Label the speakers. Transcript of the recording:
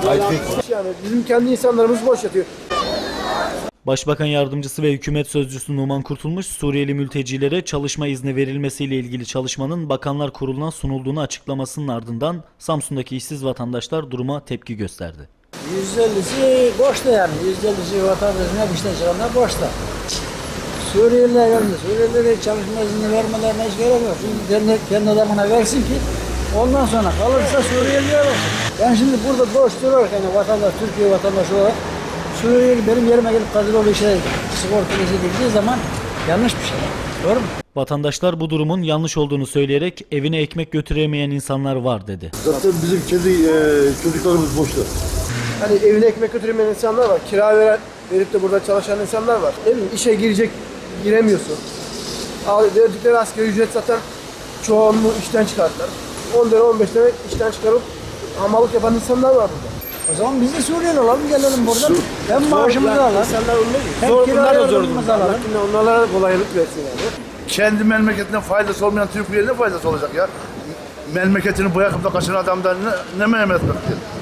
Speaker 1: Yani bizim kendi insanlarımız boş yatıyor.
Speaker 2: Başbakan Yardımcısı ve Hükümet Sözcüsü Numan Kurtulmuş, Suriyeli mültecilere çalışma izni verilmesiyle ilgili çalışmanın Bakanlar Kurulu'na sunulduğunu açıklamasının ardından Samsun'daki işsiz vatandaşlar duruma tepki gösterdi.
Speaker 3: %50'si boşta yani. %50'si vatandaşın hep işten çıkanlar boşta. Suriyeliler geldi. Suriyelilere çalışma izni vermelerine hiç gerek yok. Çünkü kendi adamına versin ki ondan sonra kalırsa Suriyeliler olsun. Ben şimdi burada boş durarken yani vatandaş, Türkiye vatandaşı olarak Suriyeli benim yerime gelip Kadıroğlu işe sigortalı edildiği zaman yanlış bir şey. Doğru mu?
Speaker 2: Vatandaşlar bu durumun yanlış olduğunu söyleyerek evine ekmek götüremeyen insanlar var dedi.
Speaker 4: Zaten bizim kendi çocuklarımız boşta.
Speaker 1: Hani evine ekmek götüremeyen insanlar var. Kira verip de burada çalışan insanlar var. Ne bileyim işe giremiyorsun. Verdikleri asgari ücret zaten çoğunluğu işten çıkarttılar. 10 lira 15 lira işten çıkarıp hamallık yapan insanlar var burada.
Speaker 3: O zaman biz de Suriyeli olalım, gelelim buradan. Hem maaşımızı alalım,
Speaker 1: İnsanlar ölmüyor.
Speaker 3: hem kira yardımımızı alalım.
Speaker 1: Onlara kolaylık versin yani.
Speaker 4: Kendi memleketine faydası olmayan Türkiye'ye ne faydası olacak ya? Memleketini bırakıp da kaçan adamdan ne memnuniyet bekliyor?